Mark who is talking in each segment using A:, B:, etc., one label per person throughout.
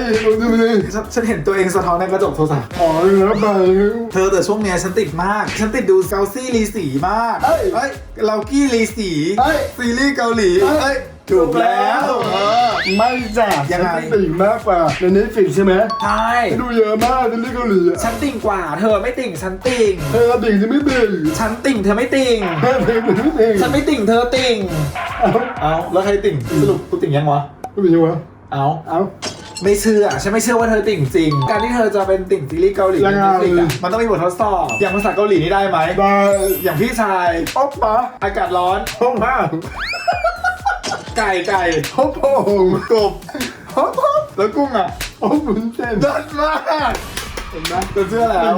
A: ฉันเห็นตัวเองสะท้อนในกระจกโทรศัพท์
B: แล้วไป
A: เธอแต่ช่วงเนี้ยฉันติดมากฉันติดดูเกาซี่รีสีมากเฮ้ยเรากี้รีสีซีรีส์เกาหลีถูกแล้ว
B: ไม่จ้ะยังไงติ่งมากกว่าในนี้ฟิกใช่ไหม
A: ใช่
B: ดูเยอะมากในนี้เกาหลี
A: ฉันติ่งกว่าเธอไม่ติ่งฉันติ่ง
B: เธอติ่งฉันไม่ติ่ง
A: ฉันติ่งเธอไม่ติ่ง
B: เธอติ่งฉันไม่ติ่ง
A: ฉันไม่ติ่งเธอติ่งเอาแล้วใครติ่งสรุปกูติ่งยังวะ
B: กูติ่งยังวะ
A: เอาไม่เชื่อฉันไม่เชื่อว่าเธอติ่งจริงการที่เธอจะเป็นติ่งซีรีส์เกาหลีมันต้องมีบททดสอบอย่างภาษาเกาหลีนี่ได้ไหม
B: ได้
A: อย่างพี่ชาย
B: อ๊อบปะ
A: อากาศร้อน
B: ห้องห้าง
A: ไก่
B: ฮอบโง
A: กบ
B: ฮอบ
A: แล้วกุ้งอ่ะ
B: ฮอบบุญเส้น
A: ดัดมากเห็นไหมจะเชื่อแล้ว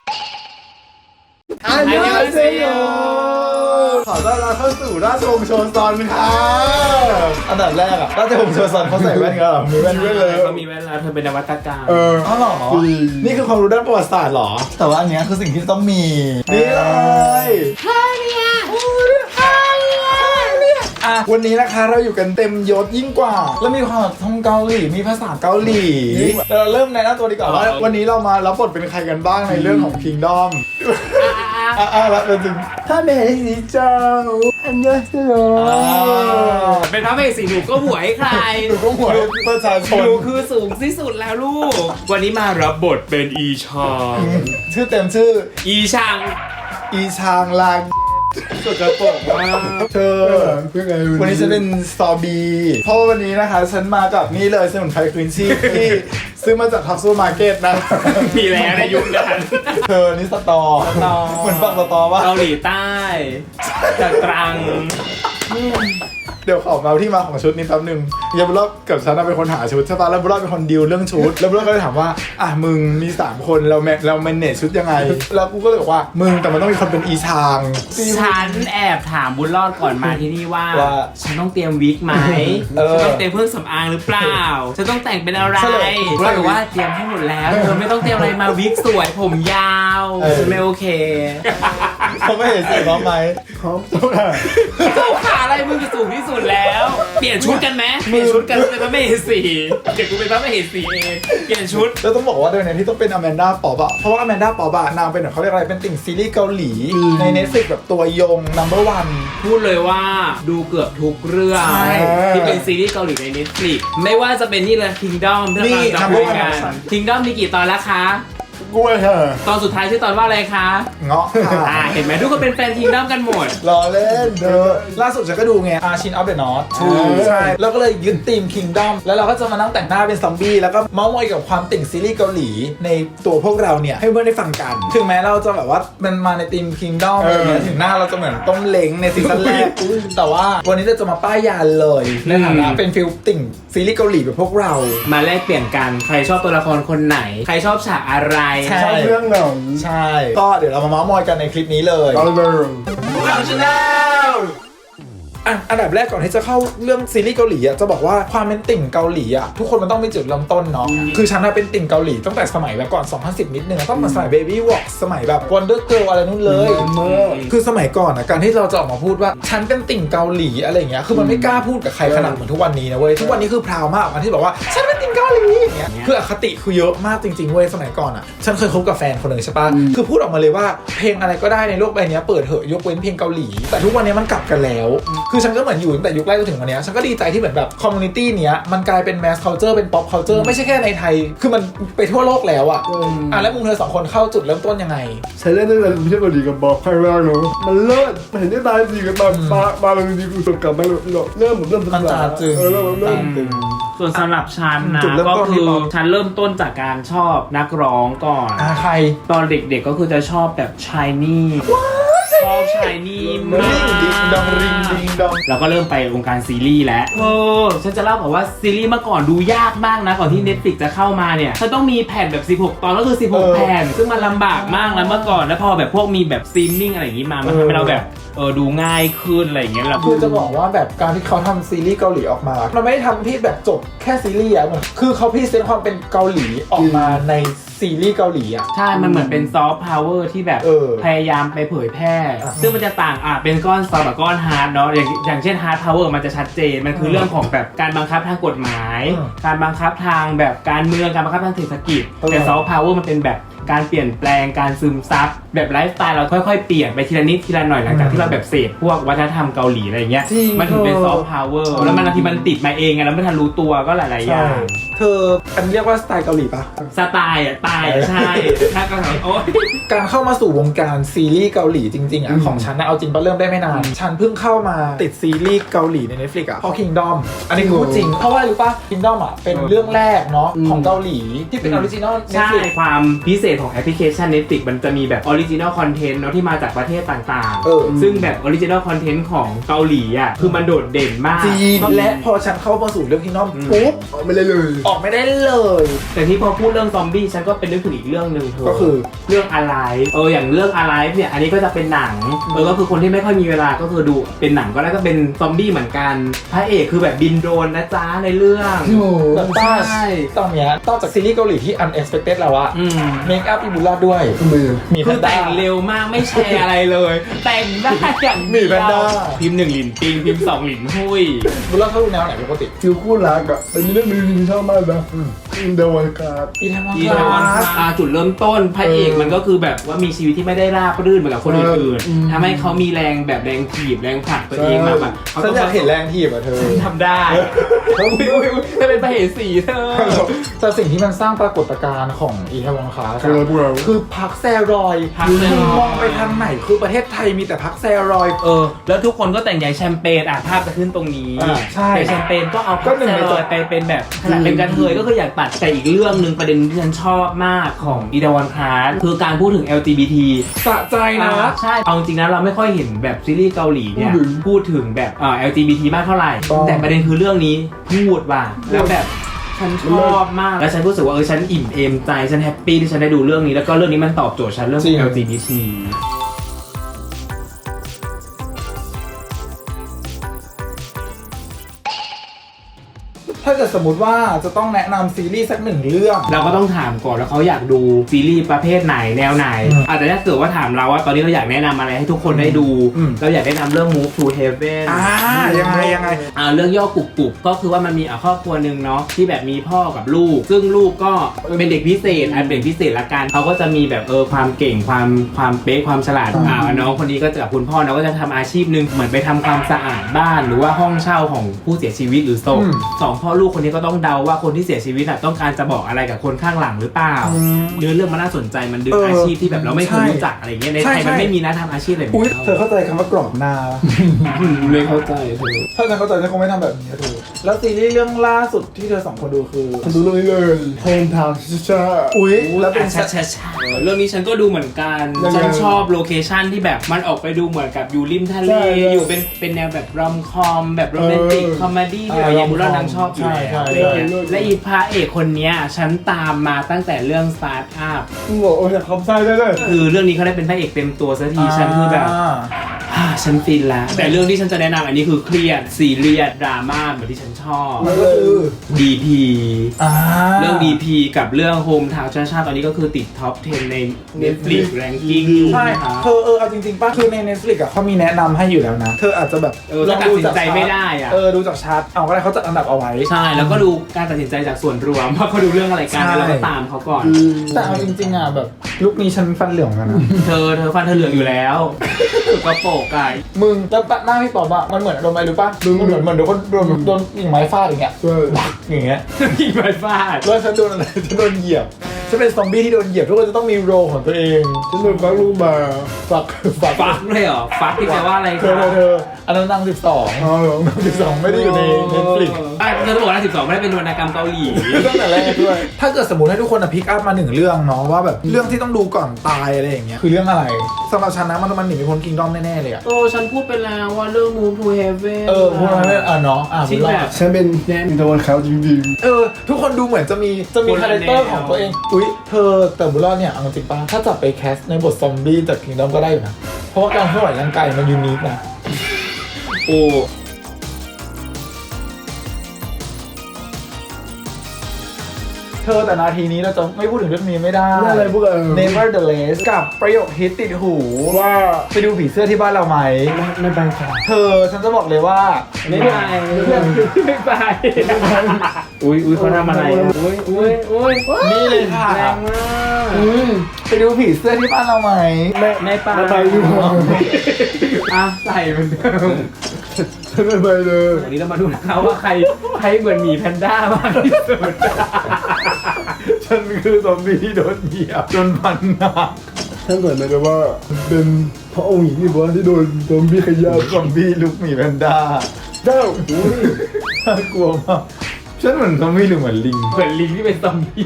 B: อันยองเซโย
A: ขอต้อนรับเข้าสู่ราชวงศ์โชซอนค่ะอันดับแรกอะราชวงศ์โชซอนเขาใส่แว่นกันหรอมีแว่นด้วยเลย
C: เขามีแว่นแล้วเธอเป็นนวัตกรรม
A: อ๋อเหรอนี่คือความรู้ด้านประวัติศาสตร์หรอแต่ว่าอันนี้คือสิ่งที่ต้องมีนี่เลยวันนี้นะคะเราอยู่กันเต็มยศยิ่งกว่าแล้วมีความท่องเกาหลีมีภาษาเกาหลีเราเริ่มในหน้าตัวดีกว่าว่าวันนี้เรามารับบทเป็นใครกันบ้างในเรื่องของ Kingdom แล้วเป็นถึง
B: ถ้าแม่สีเจ้าอันยองเซโย
C: เป็นพระเอกสีหนูก็หวยใคร
A: หนูก็หวยประชาชน
C: หนูคือสูงที่สุดแล้วลูกวันนี้มารับบทเป็นอีชาง
A: ชื่อเต็มชื่อ
C: อีชาง
A: ลางสกปรกมากเธอวันนี้ฉันเป็นสตอบีเพราะวันนี้นะคะฉันมากับนี่เลยสมุนไพรคลีนชีพที่ซื้อมาจากท็อปซูเปอร์มาร์เก็ตนะ
C: มีแล้วในยุคนั้น
A: เธอนี่สตอเหมือนฟังสตอว่า
C: เกาหลีใต้จากตรัง
A: เดี๋ยวขอมาที่มาของชุดนี้แป๊บนึงยาบุรอดกับฉันเป็นคนหาชุดใช่ปะแล้วบุรอดเป็นคนดีลเรื่องชุดแล้วบุรอดก็เลยถามว่ามึงมี3คนเราแมเนจชุดยังไงแล้วกูก็เลยบอกว่ามึงแต่มันต้องมีคนเป็นอีชาง
C: ฉันแอบถามบุญรอดก่อนมาที่นี่ว่าฉันต้องเตรียมวิกไหมฉันต้องเตรียมเครื่องสำอางหรือเปล่าฉันต้องแต่งเป็นอะไรบุญรอดบอกว่าเตรียมให้หมดแล้วเธอไม่ต้องเตรียมอะไรมาวิกสวยผมยาวฉันไม่โอเค
A: เขาไม่เห็นสีพร้อมไหม
B: พร้อมตัว
C: เจ้าขาอะไรมึงจะสูงที่สุดแล้วเปลี่ยนชุดกันไหมเปลี่ยนชุดกันเป็นพระมเหสีเดี๋ยวกูเป็นพระมเหสีเองเปลี่ยนชุด
A: แล้วต้องบอกว่าด้วยเนี่ยที่ต้องเป็นอแมนดาป๊อปอะเพราะว่าอแมนดาป๊อปอะนางเป็นแบบเขาเรียกอะไรเป็นติ่งซีรีส์เกาหลีใน Netflix แบบตัวยง number 1
C: พูดเลยว่าดูเกือบทุกเรื่องที่เป็นซีรีส์เกาหลีใน Netflix ไม่ว่าจะเป็นนี่เลย Kingdom ที่เราจะคุยกัน Kingdom มีกี่ตอนแล้วคะ
A: กล้วยค่ะ
C: ตอนสุดท้ายชื่อตอนว่าอะไรคะ
A: เงาะค่ะ
C: เห็นไหมทุกคนเป็นแฟน Kingdom กันหมด
A: รอเล่นเด้อล่าสุดฉันก็ดูไงArchin of the North ใช่แล้วก็เลยยึดธีม Kingdom แล้วเราก็จะมานั่งแต่งหน้าเป็นซอมบี้แล้วก็เมาส์มอยกับความติ่งซีรีส์เกาหลีในตัวพวกเราเนี่ยให้เพื่อนได้ฟังกันถึงแม้เราจะแบบว่ามันมาในธีม Kingdom อะไรเงี้ยถึงหน้าเราจะเหมือนต้มเล้งในซีซั่นแรกแต่ว่าวันนี้เราจะมาป้ายยาเลยในฐานะเป็นฟิลติ่งซีรีส์เกาหลีแบบพวกเรา
C: มาแลกเปลี่ยนกันใครชอบตัวละครคนไหนใครชอบฉากอะไร
B: ชอบเรื่องไหน
A: ใช่ก็เดี๋ยวเรามาเมาส์มอยกันในคลิปนี้เลยอันดับแรกก่อนที่จะเข้าเรื่องซีรีส์เกาหลีจะบอกว่าความเป็นติ่งเกาหลีทุกคนมันต้องมีจุดเริ่มต้นเนาะคือฉันเป็นติ่งเกาหลีตั้งแต่สมัยแบบก่อน2010นิดนึงต้องมาสมัย Baby Walk สมัยแบบ Wonder Girl อะไรนู่นเลยคือสมัยก่อนการที่เราจะออกมาพูดว่าฉันเป็นติ่งเกาหลีอะไรอย่างเงี้ยคือมันไม่กล้าพูดกับใครขนาดเหมือนทุกวันนี้นะเว้ยทุกวันนี้คือพราวมากที่บอกว่าฉันเป็นติ่งเกาหลีอย่างเงี้ยคืออคติคือเยอะมากจริงๆเว้ยสมัยก่อนฉันเคยคบกับแฟนคนนึงใช่ปะคือพูดออกมาเลยว่าเพลงอะไรก็ได้ในโลกใบนี้เปิดเหอะยกเว้นเพลงเกาหลีแต่ทุกวันนี้มันกลับกันแล้วคือฉันก็เหมือนอยู่แต่ยุคแรกจนถึงวันนี้ฉันก็ดีใจที่เหมือนแบบคอมมูนิตี้เนี้ยมันกลายเป็นแมสคัลเจอร์เป็นป๊อปคัลเจอร์ไม่ใช่แค่ในไทยคือมันไปทั่วโลกแล้วแล้วมึงเธอ2คนเข้าจุดเริ่มต้นยังไง
B: ฉันเล่นตั้งแต่ไม่ใช่เกาหลีกับบอกใครว่าเนาะมันเลิศมันเห็นได้ตายดีกันมาบางทีกูสกลับมาเริ่ม
A: มันจะจึง
C: ส่วนสำหรับฉันนะก็คือฉันเริ่มต้นจากการชอบนักร้องก่อน
A: ใคร
C: ตอนเด็กๆก็คือจะชอบแบบชายนี่ชอบชายนี่มากแล้วก็เริ่มไปวงการซีรีส์แล้วฉันจะเล่าบอกว่าซีรีส์เมื่อก่อนดูยากมากนะก่อนที่ Netflix จะเข้ามาเนี่ยฉันต้องมีแผ่นแบบ16ตอนก็คือ16แผ่นซึ่งมันลำบากมากแล้วเมื่อก่อนแล้วพอแบบพวกมีแบบสตรีมมิ่งอะไรอย่างงี้มามันทำให้เราแบบดูง่ายขึ้นอะไรอย่างเงี้ยเรา
A: คือจะบอกว่าแบบการที่เขาทำซีรีส์เกาหลีออกมา มันไม่ได้ทำที่แบบจบแค่ซีรีส์อะเหมือนคือเขาพรีเซนต์ความเป็นเกาหลีออกมาในซีรีส์เกาหลีอะ
C: ใช่ มันเหมือนเป็นซอฟต์พาวเวอร์ที่แบบพยายามไปเผยแพร่ ซึ่งมันจะต่างเป็นก้อนซอฟต์กับก้อนฮาร์ดเนาะอย่างเช่นฮาร์ดพาวเวอร์มันจะชัดเจนมันคือเรื่องของแบบการบังคับทางกฎหมาย การบังคับทางแบบการเมืองการบังคับทางเศรษฐกิจแต่ซอฟต์พาวเวอร์มันเป็นแบบการเปลี่ยนแปลงการซึมซับแบบไลฟ์สไตล์เราค่อยๆเปลี่ยนไปทีละนิดทีละหน่อยหลังจากที่เราแบบเสพพวกวัฒนธรรมเกาหลีอะไรเงี้ยมันถึงเป็นซอฟต์พาวเวอร์แล้วมันบางทีมันติดมาเองไงแล้วไม่ทันรู้ตัวก็หลายๆอย่าง
A: เธออันเรียกว่าสไตล์เกาหลีปะ
C: สไตล์ตายใช่ถ้าก็ถามโอ๊ย
A: การเข้ามาสู่วงการซีรีส์เกาหลีจริงๆอะของฉันนะเอาจริงปะเริ่มได้ไม่นาน ฉันเพิ่งเข้ามาติดซีรีส์เกาหลีใน Netflix อะเพราะ Kingdom อันนี้คือพูดจริงเพราะว่ารู้ปะ Kingdom อะเป็นเรื่องแรกเนาะของเกาหลีที่เป็นออริจินอล
C: ใช่
A: Netflix
C: ความพิเศษของแอปพลิเคชัน Netflix มันจะมีแบบออริจินอลคอนเทนต์เนาะที่มาจากประเทศต่าง ซึ่งแบบออริจินอลคอนเทนต์ของเกาหลีอ่ะคือมันโดดเด่นมาก
A: จริงและพอฉันเข้ามาสู่เรื่อง Kingdom ปุ๊บ
B: ไม่ได้เลย
A: ออกไม่ได้เลย
C: แต่ที่พอพูดเรื่องซอมบี้ฉันก็เป็นนึกถึงอีกเรื่องหนึ่งเธอ
A: ก็คือ
C: เรื่อง Alive อย่างเรื่อง Alive เนี่ยอันนี้ก็จะเป็นหนังก็คือคนที่ไม่ค่อยมีเวลาก็คือดูเป็นหนังก็ได้ก็เป็นซอมบี้เหมือนกันพระเอกคือแบบบินโดรนนะจ๊ะในเรื่อง
A: แบบบ้า
C: ใช่
A: ตอนเนี้ยนอกจากซีรีส์เกาหลีที่ unexpected แล้วอะเมคอัพอีบูลาด้วย
B: ทำไมอะ
A: มีแพ
C: คือน
A: ด้า
C: แต่งเร็วมากไม่แชร์อะไรเลย แต่งได้อย่าง
A: มีแพนด้า
C: พิมพ์1หลินปิงพิมพ์2หลินหุ้ย
A: บูลาเขาดูแนวไหนปกติ
B: ฟิลคู่รักอะแต่มีเรื่องนึงที่ชอบมากนะอินเดวันการ์ด
A: อีแทมอน
C: อี
A: ค
C: ทาวัน
A: ลาส
C: จุดเริ่มต้นพระเอกมันก็คือแบบว่ามีชีวิตที่ไม่ได้ราบรื่นเหมือนกับคนอื่นๆทำให้เขามีแรงแบบแรงถีบแรงผลักตัวเองมาแบบเขา
A: ฉั
C: ต้
A: น
C: อง
A: อยากเห็นแรงทีบอะเธอ
C: ทำได้อุ้ยถ้าเป็นพระเอกสีเธอ
A: แต่สิ่งที่มันสร้างปรากฏการณ์ของอีแทมอนคลาส
B: คือพวกเรา
A: คือพักแซรอยด์
C: พักแซรอยด์
A: คือมองไปทางไหนคือประเทศไทยมีแต่พักแซรอยด์
C: แล้วทุกคนก็แต่งใหญ่แชมเปญภาพจะขึ้นตรงนี้
A: ใช่
C: แต่แชมเปญก็เอา
A: ก็
C: พัก
A: หนึ่
C: แซ
A: งใน
C: รอยด์ไปเป็นแบบขนาดเป็นกระเทยก็คืออยากตัดแต่อีกเรื่องหนึ่งประเด็นที่ฉันชอบมากของอีดาวันคลาสคือการพูดถึง LGBT
A: สะใจนะ
C: ใช่ เอาจริงนะเราไม่ค่อยเห็นแบบซีรีส์เกาหลีเนี่ยพูดถึงแบบLGBT มากเท่าไหร่
A: ต้อง
C: แต่ประเด็นคือเรื่องนี้พูดว่าแล้วแบบฉันชอบมากแล้วฉันรู้สึกว่าฉันอิ่มเอมใจฉันแฮปปี้ที่ฉันได้ดูเรื่องนี้แล้วก็เรื่องนี้มันตอบโจทย์ฉันเรื่อง LGBT
A: ถ้าเกิดสมมติว่าจะต้องแนะนำซีรีส์สักหนึ่งเรื่อง
C: เราก็ต้องถามก่อนแล้วเขาอยากดูซีรีส์ประเภทไหนแนวไหนอาจจะถ้าเกิดว่าถามเราว่าตอนนี้เราอยากแนะนำอะไรให้ทุกคนได้ดู เราอยากแนะนำเรื่อง Move to Heaven
A: ยังไง
C: เรื่องย่อกุบกุบก็คือว่ามันมีครอบครัวหนึ่งเนาะที่แบบมีพ่อกับลูก ซึ่งลูกก็เป็นเด็กพิเศษเป็นเด็กพิเศษละกันเขาก็จะมีแบบความเก่งความเป๊ะความฉลาดน้องคนนี้ก็จะกับคุณพ่อเนาะก็จะทำอาชีพหนึ่งเหมือนไปทำความสะอาดบ้านหรือว่าห้องเช่าของผู้เสียชีวิตหรือศพสองพ่อลูกคนนี้ก็ต้องเดาว่าคนที่เสียชีวิตต้องการจะบอกอะไรกับคนข้างหลังหรือเปล่าเรื่องมันน่าสนใจมันดึงอาชีพที่แบบเราไม่เคยรู้จักอะไรเงี้ยในไทยมันไม่มีนะทำอาชีพอะไรแบบ
A: อุ้ย
C: นี้
A: เธอเข้าใจคำว่ากรอบหน้า
C: ไม่เข้าใจเธอ
A: ถ้าฉันเข้าใจฉันคงไม่ทำแบบนี้เธอแล้วซีรีส์เรื่องล่าสุดที่เธอสองคนดูคือ
B: ฉันดูเรื่องนี้เลยโฮมทาวน์ชิชา
A: อุ้ยแล้วเป็น
C: ใช่เรื่องนี้ฉันก็ดูเหมือนกัน
B: ยังไง
C: ฉันชอบโลเคชั่นที่แบบมันออกไปดูเหมือนกับอยู่ริมทะเล
B: ใช่
C: อยู่เป็นแนวแบบรอมคอมแบบโรแมนติกคอมเมดี้ที่แบบอย่างบุรนางชอบอยู่
A: ใช่
C: แล้ว
A: ใช่
C: และอีพระเอกคนเนี้ยฉันตามมาตั้งแต่เรื่องสตาร์ทอัพ
B: มึงบอกโอ้ยคำไส้ได้เลย
C: คือเรื่องนี้เขาได้เป็นพระเอกเต็มตัวสักทีฉันคือแบบฉันฟินละแต่เรื่องที่ฉันจะแนะนำอันนี้คือเครียดซีเรียสดราม่าเหมือนที่ฉันชอบ
A: มันก็คือ
C: DP เรื่อง
A: ดี
C: DP กับเรื่อง Home Town ชาตอนนี้ก็คือติดท็อป 10 ใน Netflix ranking อยู่
A: ใช่
C: นะคะ
A: เธอเอาจริงๆป่ะคือใน Netflix อะเขามีแนะนำให้อยู่แล้วนะ เธออาจจะแบบ
C: ถ้าตัดสินใจไม่ได้อะ
A: ดูจากชาร์ตเอาก็ได้เขาจัดอันดับเอาไว้
C: ใช่ แล้วก็ดูการตัดสินใจจากส่วนรวมว่าเขาดูเรื่องอะไรกัน
A: ใช่
C: แล้วเราก็ตามเขาก่อน
A: แต่เอาจริงๆอะแบบยุคนี้ฉันฟันเหลืองกันนะ
C: เธอฟันเธอเหลืองอยู่แล้วสุดกระโปรงไก่
A: มึงแล้วหน้าพี่ป๋อมอะมันเหมือนโดนอะไรรู้ป่ะมันเหมือนโดนคนโดนกิ่งไม้ฟาดอย่างเงี้ย
B: ใช่
A: อย่างเงี้ย
C: ยิงไปฟาด
A: แล้วฉันโดนอะไรฉันโดนเหยียบฉันเป็นซอมบี้ที่โดนเหยียบทุกคนจะต้องมีโรลของตัวเอง
B: ฉันโดนฟักลูกมา
A: ฝัก
C: ฟักเลยเหรอ ฟักที่แปลว่าอะไร
A: เธ
C: คะ
A: ออันนั้นนาง12
B: อ๋อเหรอ
A: 12ไม่ได้อยู่ใน Netflix
C: เธอบอกว่า12ไม่ได้เป็นวรรณกรรมเกาหลี
A: ตั้งแต่แรกด้วย ถ้าเกิดสมมติให้ทุกคนพิกอัพมาหนึ่งเรื่องเนาะว่าแบบเรื่องที่ต้องดูก่อนตายอะไรอย่างเงี้ยคือเรื่องอะไรสำหรับฉันนะมันหนีไม่พ้น Kingdom แน่ๆเลยอะ
C: ฉันพูดไปแล้วว่าเรื่อง Move to Heaven
A: พูดมาไม่เนาะ
C: ที่แบบ
B: ฉันเป็นอินเดวันเขาจริง
A: ทุกคนดูเหมือนจะมี
C: คนละ
A: คาแรคเตอร์
C: แนว
A: ของตัวเองอุ๊ยเธอแต่บุรอดเนี่ยเอาจริงป่ะถ้าจับไปแคสในบทซอมบี้จาก Kingdom ก็ได้อยู่นะเพราะว่าการเคลื่อนไหวร่างกายมันยูนิคนะ
C: โอ้
A: เธอแต่นาทีนี้เราจะไม่พูดถึงเรื่องนี้ไม่ได้
B: นี่อะไรพวกเรา
A: Nevertheless กับประโยคฮิตติดหู
B: ว่า
A: ไปดูผีเสื้อที่บ้านเราไหม
B: ไม่ไปค่ะ
A: เธอฉันจะบอกเลยว่า
C: ไม่ไปไม่ไปอุ้ยเขาทำอะไรอุ้ย
A: นี่เลยค่ะ
C: แรงมาก
A: ไปดูผีเสื้อที่บ้านเราไหม
C: ไม่ไป
B: ไม่ไปดีกว่า
C: อ่ะใส่เหมือนเดิม
B: ฉันไม่ไปเลย
C: วันนี้เรามาดูนะคะว่าใครเหมือนหมีแพนด้ามากที่สุด
A: ฉันคือซอมบี้ที่โดนเหยียบจนพันหนัก
B: ฉันเหมือนเลยว่าเป็นพระองค์หญิงที่บอกว่าที่โดนซอมบี้ขย้
A: ซอมบี้ลุกหมีแพนด้า
B: ำเจ้าอุ้ย
A: น่ากลัวมากฉันเหมือนซอมบี้หรือเหมือนลิง
C: เหมือนลิงที่เป็นซอมบี้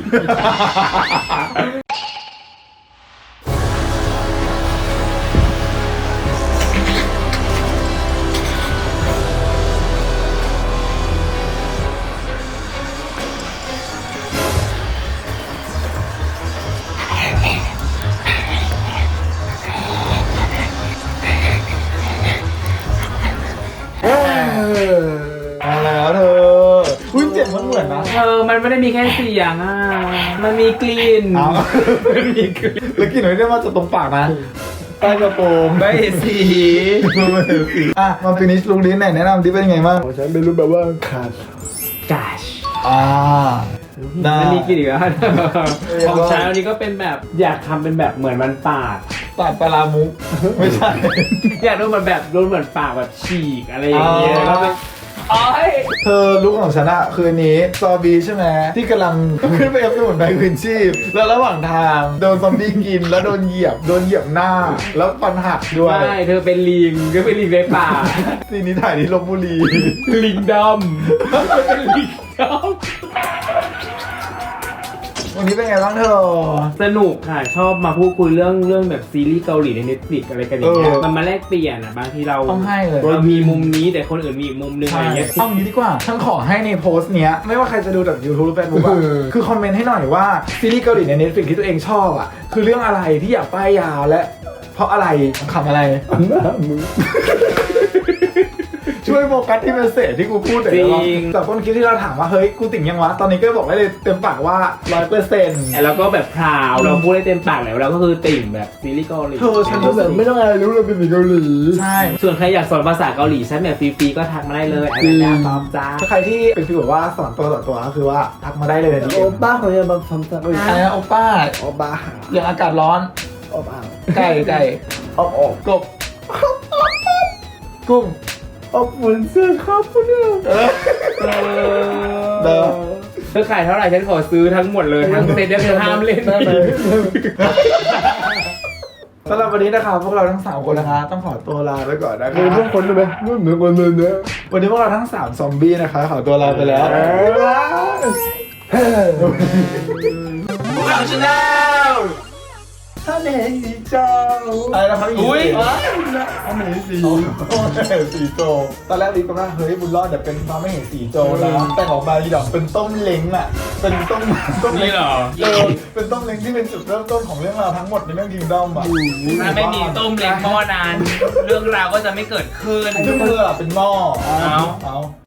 A: เอาแล้วเธออุ้ยเจ็บมันเหมือนนะ
C: มันไม่ได้มีแค่เสียงอ่ะมันมีกลิ่น
A: เอา
C: มันมีกลิ่น
A: แล้วกินหน่อยได้มาจากตรงปากนะใต้กระโปรง
C: ได้สี
A: อ่ะมาฟินิชลุงลิ้นไหนแนะนำที่เป็นไงบ้าง
B: ของฉันเป็นรูปแบบว่าขาด
C: gash
A: อ่าได้
C: มันมีกลิ่นอีกแล้วของฉันวันนี้ก็เป็นแบบอยากทำเป็นแบบเหมือนมันปาก
A: ปาดปลาลามุกไม่ใช่
C: อยากโดนมันแบบโดนเหมือนปากแบบฉีกอะไรอย่างเงี้ย
A: อ๋อ
C: แล้วเป็นอ๋อย
A: เธอลุกของฉันอะคืนนี้ซอบีใช่ไหมที่กำลังขึ้นไปเอฟสมุนไพรคืนชีพ แล้วระหว่างทางโดนซอมบี้กินแล้วโดนเหยียบหน้า แล้วฟันหักด้วย
C: ไม่เธอเป็นลิงก็เป็นลิงในป่า
A: ซีนนี้ถ่ายที่ลบบุรี
C: ลิงดำเป็นลิงด
A: วันนี้เป็นไงบ้างเธอ
C: ำสนุกค่ะชอบมาพูดคุยเรื่องแบบซีรีส์เกาหลีใน Netflix อะไรกันอย่างเงี้ย
A: เออ
C: มันมาแลกเปลี่ยนอ่ะบางทีเรา
A: ต้องให้เลย
C: เรามีมุมนี้แต่คนอื่นมีอีกมุมนึงอะไร
A: ใช่
C: เงี้ย
A: เอางี้ดีกว่า ฉันขอให้ในโพสต์เนี้ย ไม่ว่าใครจะดูจาก YouTube หรือ Facebook อะคือคอมเมนต์ให้หน่อยว่า ซีรีส์เกาหลีใน Netflix ที่ตัวเองชอบอะคือเรื่องอะไรที่อยากป้ายยาวและเพราะอะไรขำอะไร
B: หน้ามือ
A: ช่วยโฟกัสที่เมสเสจที่กูพูดหน่อยได้ปะจากต้นคลิปที่เราถามว่าเฮ้ยกูติ่งยังวะตอนนี้ก็บอกได้เลยเต็มปากว่า 100%
C: แล้วก็แบบพราวเราพูดได้เต็มปากแล้วเราก็คือติ่งแบบซีรีส์เกาหลี
A: เธอฉัน
B: ก็แบบไม่ต้องอะไรรู้เลยเป็นผีเกาหลี
A: ใช่
C: ส่วนใครอยากสอนภาษาเกาหลีใช้แบบฟรีๆก็ทักมาได้เลย
B: จริง
C: อาจารย์ตอบจ้า
A: ถ้าใครที่เป็นฟีลแบบว่าสอนตัวต่อตัวก็คือว่าทักมาได้เลยนะ
B: โอป้าของเนี่ยมาทำสัก
A: อะไรนะโอป้า
B: โอป้า
A: อย่างอากาศร้อน
B: โอป้า
A: ไก่
B: ออก
A: กบกุ้ง
B: ออกเหมือนเสื้อครับพวกเนี่ย
A: เด้อ
C: เธอขายเท่าไหร่ฉันขอซื้อทั้งหมดเลยทั้งเซ็ตเธอห้ามเล่น
B: ได้ไหม
A: สำหรับวันนี้นะครับพวกเราทั้ง3คนนะคะต้องขอตัวลาไปก่อนนะค
B: เหมือนพว
A: รั
B: ก
A: บ
B: คนได้ไหมไม่เหมือนคนเลยเนี่ย
A: วันนี้พวกเราทั้ง3ซอมบี้นะคะขอตัวลาไปแล้วพวกเราชนะ
B: ถ้าเห็นสีเจ้า
A: อะไรนะครับ
C: อุ้ย
B: ถ้าเห็นสี
A: สีโจตอนแรกลิฟต์ก็ว่าเฮ้ยบุญรอดเดี๋ยวเป็นฟ้าไม่เห็นสีโจนะแต่ออกมาอีดอกเป็นต้มเล้งอ่ะเป็นต้มเล้
C: นี่
A: ง
C: เหรอ
A: เป็นต้มเล้งที่เป็นจุดเริ่มต้นของเรื่องราวทั้งหมดในเรื่องคิงดอมอ่ะ
C: ถ้าไม่มีต้มเล็กหม้อนาน เรื่องราวก็จะไม่เกิดขึ้น
A: ซึ่งเธอเป็นหม้อเอา